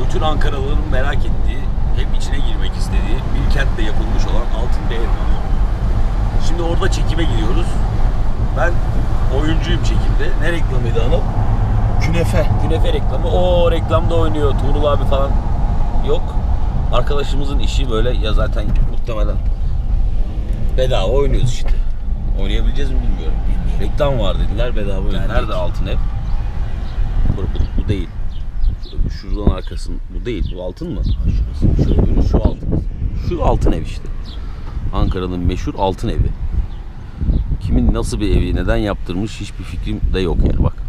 bütün Ankaralıların merak ettiği, hep içine girmek istediği bir kentte yapılmış olan Altınbey reklamı. Şimdi orada çekime gidiyoruz. Ben oyuncuyum çekimde. Ne reklamıydı Anıl? Künefe. Künefe reklamı. O reklamda oynuyor. Tuğrul abi falan yok. Arkadaşımızın işi böyle ya, zaten muhtemelen bedava oynuyoruz işte. Oynayabileceğiz mi bilmiyorum. Reklam var dediler, bedava oynuyor. Nerede Altın Ev? Bu değil. Şuradan arkasın. Bu değil. Bu altın mı? Şöyle şu altın. Şu Altın Ev işte. Ankara'nın meşhur Altın Evi. Kimin nasıl bir evi, neden yaptırmış hiçbir fikrim de yok yani, bak.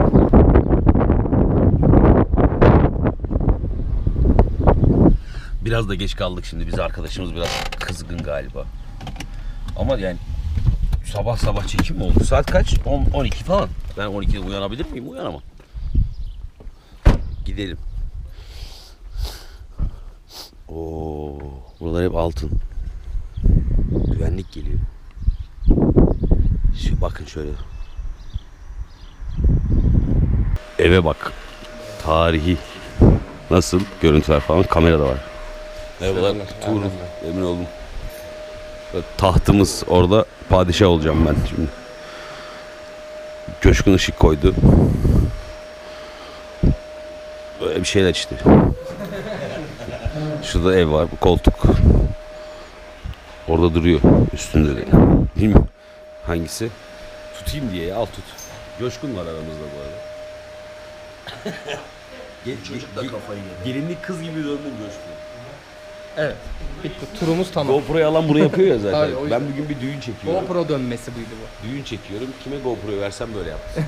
Biraz da geç kaldık şimdi. Biz arkadaşımız biraz kızgın galiba. Ama yani sabah sabah çekim mi oldu? Saat kaç? 12 falan. Ben 12'de uyanabilir miyim? Uyanamam. Gidelim. Oo, buralar hep altın. Güvenlik geliyor. Şu bakın şöyle. Eve bak. Tarihi. Nasıl? Görüntüler falan. Kamera da var. Merhabalar. Tuğrul. Emin oldum. Tahtımız orada. Padişah olacağım ben şimdi. Coşkun ışık koydu. Böyle bir şeyler işte. Şurada ev var. Bu koltuk. Orada duruyor. Üstünde de. Bilmiyorum. Hangisi? Tutayım diye ya. Al tut. Coşkun var aramızda bu arada. Çocuk da kafayı yedi. Gelinlik kız gibi döndün Coşkun. Evet. Bitti. Turumuz tamam. GoPro'yu alan bunu yapıyor ya zaten. Tabii, o yüzden. Ben bugün bir düğün çekiyorum. GoPro dönmesi buydu bu. Düğün çekiyorum. Kime GoPro'yu versem böyle yaptım.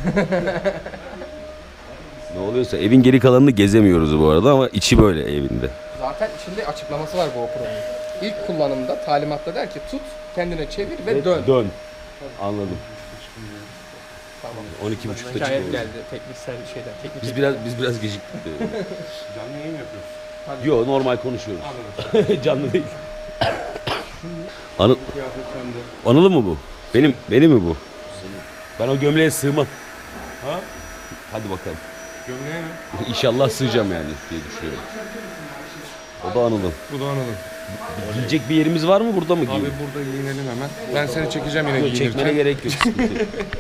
Ne oluyorsa evin geri kalanını gezemiyoruz bu arada ama içi böyle evinde. Zaten içinde açıklaması var GoPro'nun. İlk kullanımda talimatta der ki tut, kendine çevir ve dön. Dön. Anladım. Tamam. 12.30'da Şikayet çıkıyoruz. geldi tekniksel şeyden. Teknik Biz biraz geciktik. Canlı yayın mı yapıyoruz? Yo, normal konuşuyoruz. Canlı değil. Anıl, Kıyafet sende. Anıl'ı mı bu? Benim mi bu? Ben o gömleğe sığmam. Ha? Hadi bakalım. Gömleğe mi? İnşallah sığacağım yani diye düşünüyorum. O da Anıl'ın. Bu da Anıl'ın. Giyecek bir yerimiz var mı, burada mı Abi giyiyor? burada giyinelim hemen. Ben seni çekeceğim yine Yok, giyinirken. çekmene gerek yok. Sıkıntı yok.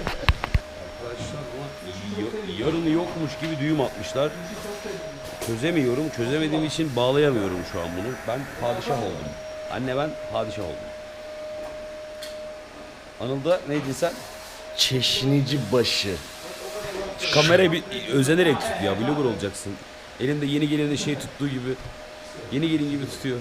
Yarını yokmuş gibi düğüm atmışlar. Çözemiyorum. Çözemediğim için bağlayamıyorum şu an bunu. Ben padişah oldum. Anne, ben padişah oldum. Anıl'da neydin sen? Çeşnici başı. Kamerayı bir özenerek tut ya. Vlogger olacaksın. Elinde yeni gelenin şey tuttuğu gibi. Yeni gelin gibi tutuyor.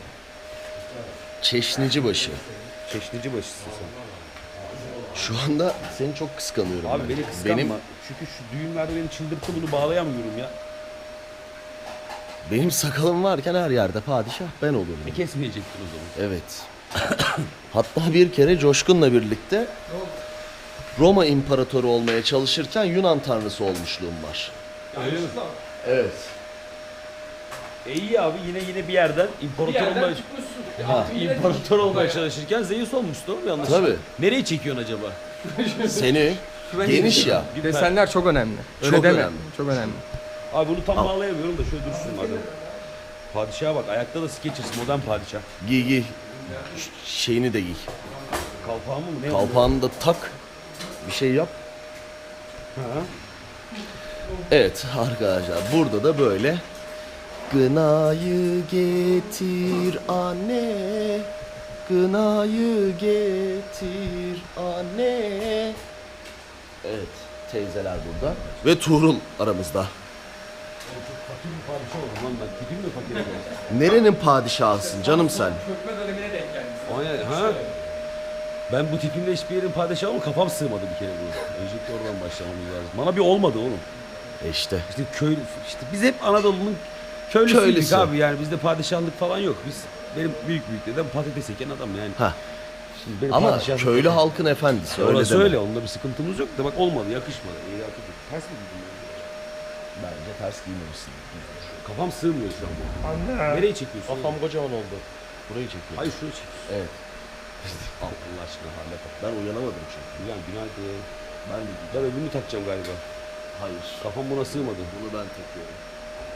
Çeşnici başı. Çeşnici başısın sen. Şu anda seni çok kıskanıyorum. Abi ben. beni kıskanma. Benim, Çünkü şu düğünlerde beni çıldırttı, bunu bağlayamıyorum ya. benim sakalım varken her yerde padişah ben olurum. Kesmeyecektin o zaman. Evet. Hatta bir kere Coşkun'la birlikte Roma imparatoru olmaya çalışırken Yunan tanrısı olmuşluğum var. Evet. İyi abi, yine bir yerden imparator olmaya çalışırken Zeus olmuştu, o mu yanlış? Tabii. Nereye çekiyorsun acaba? Seni geniş ya. Desenler çok önemli. Öyle Çok deme. önemli. Çok önemli. Abi bunu tam bağlayamıyorum da şöyle dursun madem. Padişaha bak, ayakta da Skechers, modern padişah. Giy giy. Şeyini de giy. Kalpağı mı ne? Kalpağını da tak. Bir şey yap. Ha? Evet arkadaşlar, burada da böyle Gınayı getir anne, gınayı getir anne. Evet, teyzeler burada. Ve Tuğrul aramızda. Fakir bir padişah oldum lan ben. Tipim mi fakir oldum? Nerenin padişahısın canım sen? Çökme dönemine denk geldiniz. Aynen, ha? Ben bu tipimle hiçbir yerin padişahı ama kafam sığmadı bir kere bu. Öncelikle oradan başlamamız lazım. Bana bir olmadı oğlum. İşte. İşte köy, işte biz hep Anadolu'nun köylüsüydük Köylüsü. abi, yani bizde padişahlık falan yok. Benim büyük dedem patates eken adam yani. Ha. Şimdi benim Ama padişahlık köylü yok. halkın efendisi öyle Orası deme. öyle, onda bir sıkıntımız yok da bak olmadı, yakışmadı. İyi, ters mi gittim yani? Bence ters giymemişsin. Kafam sığmıyor şu an. Anne. Nereye çekiyorsun? Kafam kocaman oldu. Burayı çekiyor. Hayır, şunu çek. Evet. Allah aşkına halle bak. Ben uyanamadım çünkü. Güzel, günaydın. Ben de Ben öbürünü takacağım galiba. hayır. Kafam buna sığmadı. Bunu ben takıyorum.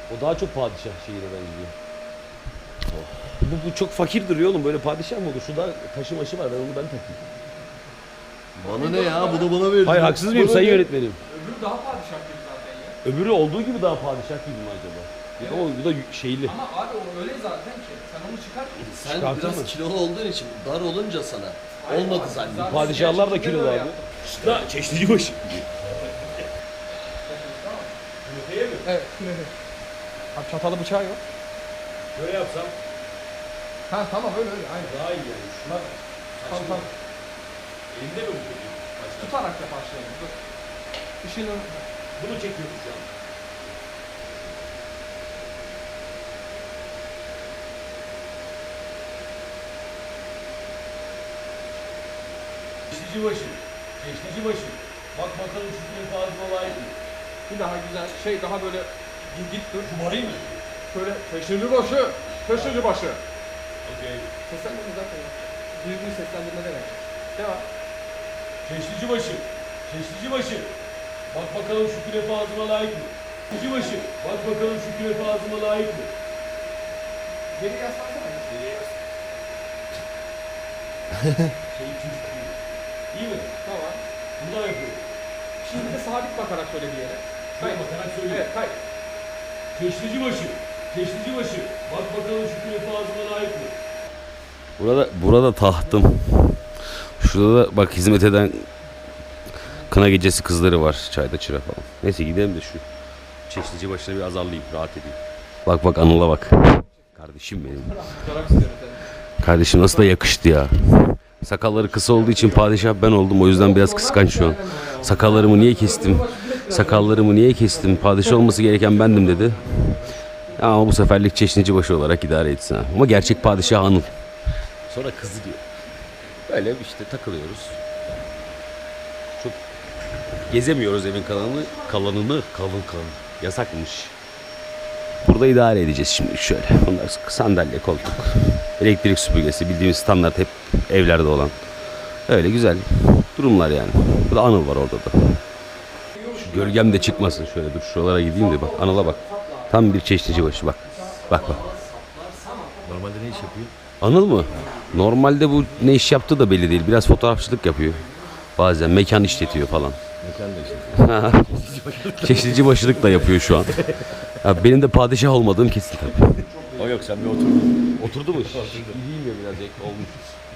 O daha çok padişah şeyine benziyor. Bu çok fakir duruyor oğlum. Böyle padişah mı olur? Şu da taşı maşı var. Ben onu takayım. Bana ne ya? Bunu bana verin. Hayır haksız mıyım sayın yönetmenim? Öbürü daha padişah gibi zaten ya. Öbürü olduğu gibi daha padişah gibi mi acaba? Ya da o bu da şeyli. Ama abi o öyle zaten ki. Sen onu çıkart. Sen Çıkartır biraz mı? kilolu olduğun için dar olunca sana. Olmadı zannediyorum. Padişahlar da kilolu abi. Da çeşnici başı. Evet. Abi çatalı bıçağı yok. Böyle yapsam Ha tamam öyle aynen. daha iyi yani. Şuna Tamam. elinde mi bu peki? Tutarak da başlayalım. Dur. Işığını... Bunu çekiyoruz şu an. Çeşnici başı. Çeşnici başı. Bak bakalım şu film fazla layık mı? Bir daha güzel şey daha böyle git dur. Kumarı mı? Şöyle peşinci başı. Peşinci başı. Okey. Seslendirme zaten ya. Düzgün seslendirme demek. Devam. Çeşnici başı. Çeşnici başı. Bak bakalım şu künefe ağzıma layık mı? Çeşnici başı. Bak bakalım şu künefe ağzıma layık mı? Geri yaslansana. Şey çocuk gibi. İyi mi? Tamam. Bunu da yapıyorum. Şimdi de sabit bakarak söyle bir yere. Şuraya bakarak söyleyeyim. Evet kay. Çeşnici başı. Çeşnici başı. Bak bakalım şu künefe ağzıma layık mı? Burada tahtım. Şurada da bak hizmet eden kına gecesi kızları var. Çayda çıra falan. Neyse gidelim de şu Çeşnici başına bir azarlayayım. Rahat edeyim. Bak Anıl'a bak. Kardeşim benim. Fotoğraf istiyorum seni. Kardeşim nasıl da yakıştı ya. Sakalları kısa olduğu için padişah ben oldum. O yüzden biraz kıskanç şu an. Sakallarımı niye kestim? Sakallarımı niye kestim? Padişah olması gereken bendim dedi. Ama bu seferlik Çeşnici başı olarak idare etsin ha. Ama gerçek padişah Anıl. Sonra kızı diyor. Böyle işte takılıyoruz. Çok gezemiyoruz evin kalanını. Yasakmış. Burada idare edeceğiz şimdi şöyle. Bunlar sandalye, koltuk, elektrik süpürgesi bildiğimiz standart hep evlerde olan. Öyle güzel durumlar yani. Bu da Anıl var orada da. Şu gölgem de çıkmasın şöyle dur şuralara gideyim de bak Anıl'a bak. Tam bir Çeşnici başı bak. Bak. Normalde ne iş yapıyor? Anıl mı? Normalde bu ne iş yaptığı da belli değil. Biraz fotoğrafçılık yapıyor. Bazen mekan işletiyor falan. Mekan da işte. Çeşnici başılık da yapıyor şu an. Ya benim de padişah olmadığım kesin tabii. O yok sen bir otur. Oturdu mu? İyiyim ya biraz olmuş.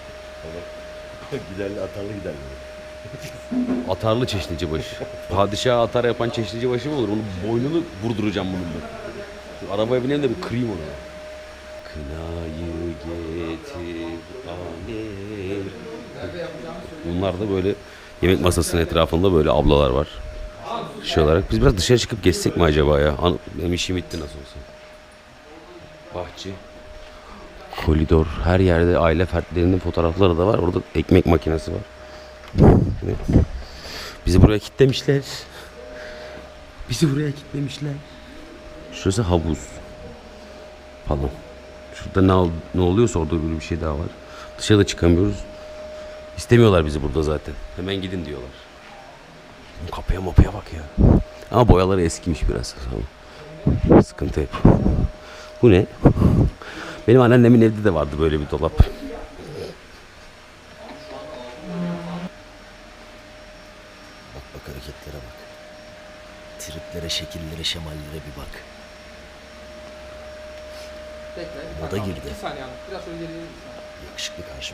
Giderli atarlı giderli. Atarlı Çeşnici başı. Padişah atar yapan Çeşnici başı mı olur? Onun boynunu vurduracağım bunun ben. Şu arabaya bineyim de bir kırayım onu. Kınayı getir alem. Bunlar da böyle yemek masasının etrafında böyle ablalar var. Şey olarak biz biraz dışarı çıkıp gezsek mi acaba ya? Benim işim bitti nasıl olsa. Bahçe. Koridor. Her yerde aile fertlerinin fotoğrafları da var. Orada ekmek makinesi var. Evet. Bizi buraya kilitlemişler. Şurası havuz. Falan. Şurada ne oluyorsa orada böyle bir şey daha var. Dışarıda çıkamıyoruz. İstemiyorlar bizi burada zaten. Hemen gidin diyorlar. Kapıya bak ya. Ama boyaları eskimiş biraz. Sıkıntı hep. Bu ne? Benim anneannemin evde de vardı böyle bir dolap. Bak hareketlere bak. Triplere, şekillere, şemallere bir bak. Bekle. O da girdi. 2 saniye abi. Biraz öyle geriye Yakışıklı karşım.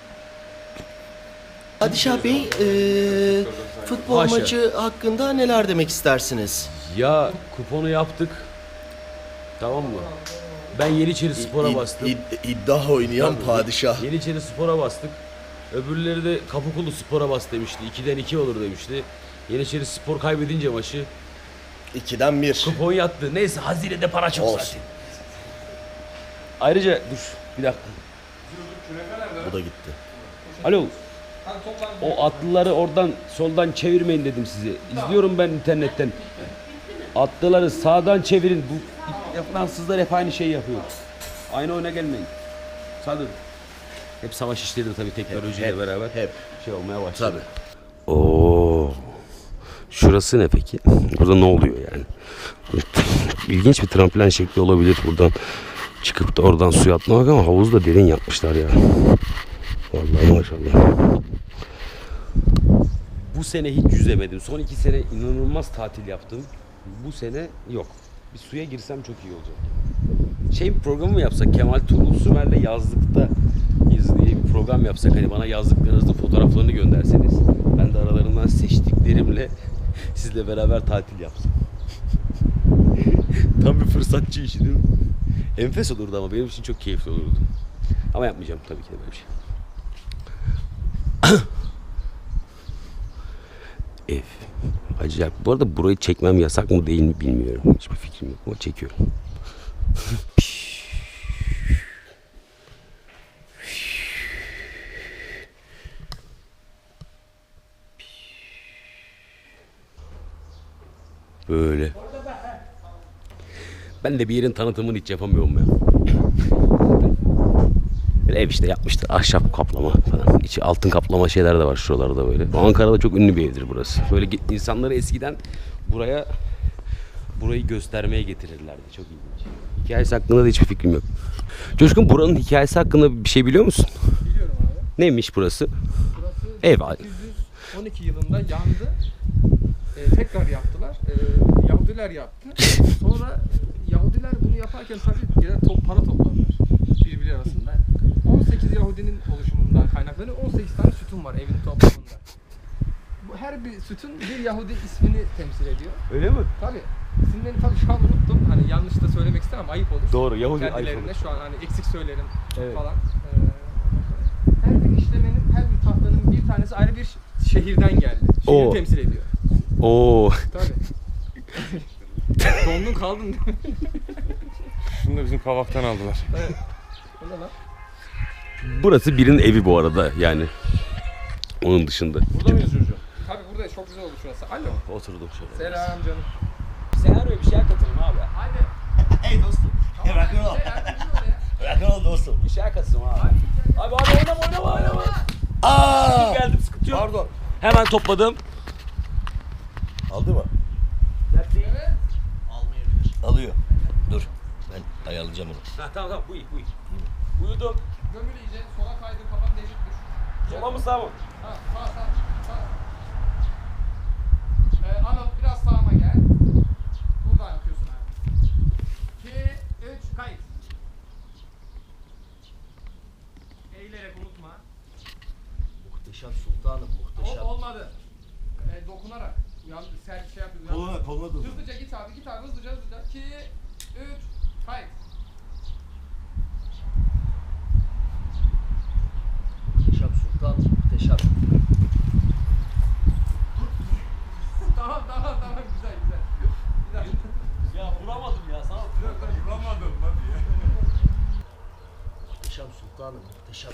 Padişah Bey, futbol Haşa. maçı hakkında neler demek istersiniz? Ya kuponu yaptık. Tamam mı? Ben Yeniçeri Spor'a bastım. İddia oynayan padişah. Yeniçeri Spor'a bastık. Öbürleri de Kapıkulu Spor'a bas demişti. 2'den 2 olur demişti. Yeniçeri Spor kaybedince maçı 2'den 1. kupon yattı. Neyse hazinede para çok Olsun. zaten. Ayrıca dur bir dakika. Bu da gitti. Alo. O atlıları oradan soldan çevirmeyin dedim size. İzliyorum ben internetten. Atlıları sağdan çevirin. Bu Fransızlar hep aynı şeyi yapıyor. Aynı oyuna gelmeyin. Sadır. Hep savaş işleri de tabii teknolojiyle beraber hep. şey olmaya başladı. Tabii. Oo. Şurası ne peki? Burada ne oluyor yani? ilginç bir tramplen şekli olabilir buradan çıkıp da oradan suya atlamak ama havuzu da derin yapmışlar ya. Vallahi maşallah. Bu sene hiç yüzemedim. Son 2 sene inanılmaz tatil yaptım. Bu sene yok. Bir suya girsem çok iyi olacak. Şey bir programı mı yapsak? Kemal Tuğrul Sümer'le yazlıkta diye bir program yapsak. Hani bana yazdıklarınızın fotoğraflarını gönderseniz. Ben de aralarından seçtiklerimle sizle beraber tatil yapsam. Tam bir fırsatçı işi değil mi? Enfes olurdu ama benim için çok keyifli olurdu. Ama yapmayacağım tabii ki de böyle bir şey. Ev. Acayip. Bu arada burayı çekmem yasak mı değil mi bilmiyorum. Hiçbir fikrim yok ama çekiyorum. Böyle. Ben de bir yerin tanıtımını hiç yapamıyorum ya. Böyle ev işte yapmıştır. Ahşap kaplama falan. İçi altın kaplama şeyler de var şuralarda böyle. Ankara'da çok ünlü bir evdir burası. Böyle insanları eskiden burayı göstermeye getirirlerdi. Çok ilginç. Hikayesi hakkında da hiçbir fikrim yok. Coşkun, buranın hikayesi hakkında bir şey biliyor musun? Biliyorum abi. Neymiş burası? Burası Ev. 1812 yılında yandı. Tekrar yaptılar. Yahudiler yaptı. Sonra Yahudiler bunu yaparken tabii gene para topladılar birbirleri arasında. 18 Yahudinin oluşumundan kaynaklanıyor. 18 tane sütun var evin toplamında. Bu her bir sütun bir Yahudi ismini temsil ediyor. Öyle mi? Tabii. İsimlerini tabii şu an unuttum. Hani yanlış da söylemek istemem, ayıp olur. Doğru, Yahudi ayıp kendilerine olur. şu an hani eksik söylerim Evet. falan. Her bir işlemenin, her bir tahtanın bir tanesi ayrı bir şehirden geldi. Şehri Oo. temsil ediyor. Oo. Tabii. Dondun kaldın değil mi? Şunu da bizim kavaktan aldılar. Evet. O ne lan? Burası birinin evi bu arada yani. Onun dışında. Burada mıyız Jurcu? Tabii burada çok güzel oldu şurası. Alo. Oturdum şöyle. Selam canım. Senaryoya bir şeyler katılın abi. Hadi. Hey dostum. Tamam, rock'n'roll. ya. Rock'n'roll dostum. Bir şeyler katılın abi. Abi oynama. Aa! Geldim, sıkıntı yok. Pardon. Hemen topladım. Aldı mı? Evet. Alıyor. Dur. Ben ayarlayacağım onu. Ha, tamam bu iyi. Uyudum. Gömül iyice. Sola kaydır, kafanı değişik düş. Sola mı sağ mı? Ha, sağ. Anıl biraz sağıma gel. Buradan yapıyorsun abi. 2, 3, kayıt. Eğilerek unutma. Muhteşem sultanım, muhteşem. Olmadı. Dokunarak. Sen şey yapıyorsun. Koluna dur. Hızlıca git abi hızlıca. 2, 3, kayıt. Muhteşem sultanım, muhteşem. Tamam güzel. Bir dakika. Ya vuramadım ya sana. Muhteşem sultanım, muhteşem.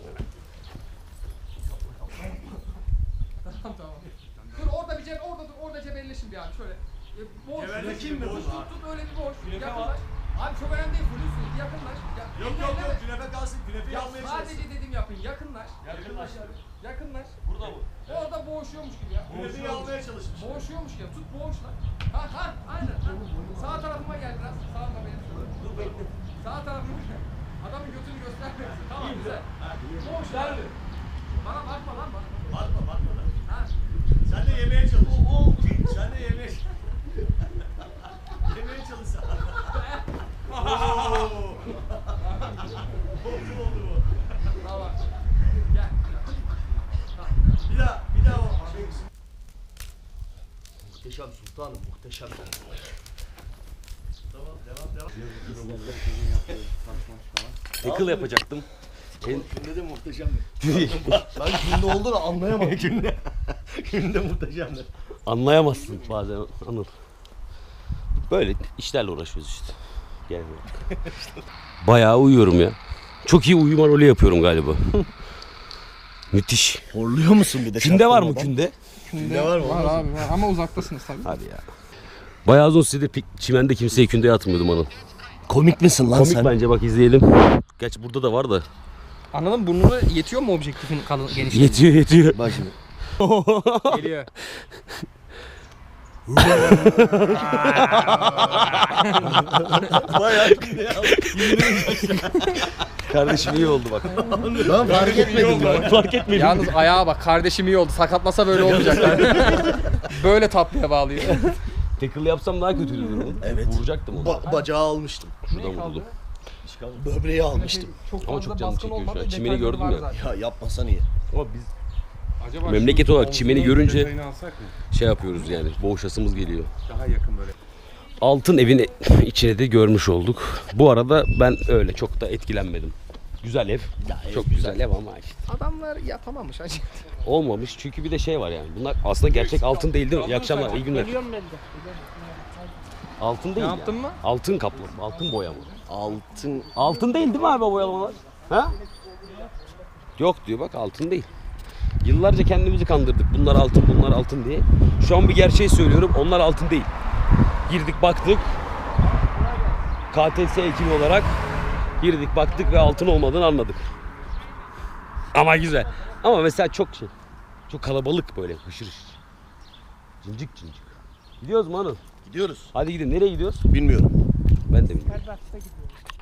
Tamam. Dur orada bir cep, orada cebelleşin bir abi şöyle. Boş. Cebelleşeyim mi? Tut öyle bir boş. Yaklaş. Abi çok önemli değil, Hulusi. Yaklaş. Yok, künefe kalsın, künefeyi Ya almaya sadece dedim yapın, yakınlaş. Yakınlaş. Burada bu. Orada boğuşuyormuş gibi ya. Künefeyi almaya çalışmış. Boğuşuyormuş gibi. Tut boğuş lan. Ha, aynen. Ha. Sağ tarafıma gel biraz. Sağıma benim. Dur bekle. Sağ tarafıma gel. Adamın götünü göstermesin. Tamam güzel. Boğuş lan. Bana bakma lan bana. Bakma lan. Ha. Sen de yemeye çalış. Sen de yemeye çalış. Yemeye çalış sen. Oldu bu. Tamam. Gel. Bir daha o. Muhteşem sultanım, muhteşem. Tamam, devam. Tackle yapacaktım. Günde de muhteşem mi? Ben günde olduğunu anlayamadım. Günde muhteşem mi? Anlayamazsın bazen Anıl. Böyle işlerle uğraşıyoruz işte. Gel buraya. Bayağı uyuyorum ya. Çok iyi uyuma rolü yapıyorum galiba. Müthiş. Horluyor musun bir de? Künde var mı çaktırmadan? künde? Günde var mı? Var abi var ama uzaktasınız tabii. Hadi ya. Bayağı uzun süredir çimende kimseye kündeye atmıyordum Anıl. Komik misin lan Komik sen? bence, bak izleyelim. Gerçi burada da var da. Anladın burnuna yetiyor mu objektifin genişliği? Yetiyor. Bak şimdi. Geliyor. Bayağı Kardeşim iyi oldu bak. ben fark etmedim ya. Fark etmedim. Yalnız ayağa bak, kardeşim iyi oldu. Sakatlasa böyle olmayacak. Böyle tatlıya bağlıyor. Tackle yapsam daha kötüydü durum. Evet. Vuracaktım onu. Bacağı almıştım. Şuradan vurdum. Böbreği almıştım. Çok Ama fazla çok canım baskın çekiyor şu an. olmadı, Çimeni detayları gördün var mü? zaten. Ya yapmasan iyi. Ama biz Acaba Memleket şu olarak çimeni omzunun görünce- detayını alsak mı? şey yapıyoruz yani. Boğuşasımız geliyor. Daha yakın böyle. Altın evin içine de görmüş olduk. Bu arada ben öyle çok da etkilenmedim. Güzel ev. Çok güzel ev ama işte Adamlar yapamamış hacı. olmamış. Çünkü bir de şey var yani. Bunlar aslında gerçek altın değil değil mi? İyi akşamlar, iyi günler. Altın değil Ne ya. yaptın mı? Altın kaplı, altın boyama. Altın. Altın değil değil mi abi o boyamalar? Ha? Yok diyor bak altın değil. Yıllarca kendimizi kandırdık. Bunlar altın, bunlar altın diye. Şu an bir gerçeği söylüyorum. Onlar altın değil. Girdik baktık. KTS ekibi olarak girdik baktık ve altın olmadığını anladık. Ama güzel. Ama mesela çok şey. Çok kalabalık böyle hışır hışır. Cincik cincik. Gidiyoruz mu Anıl? Gidiyoruz. Hadi gidin. Nereye gidiyoruz? Bilmiyorum. Ben de bilmiyorum.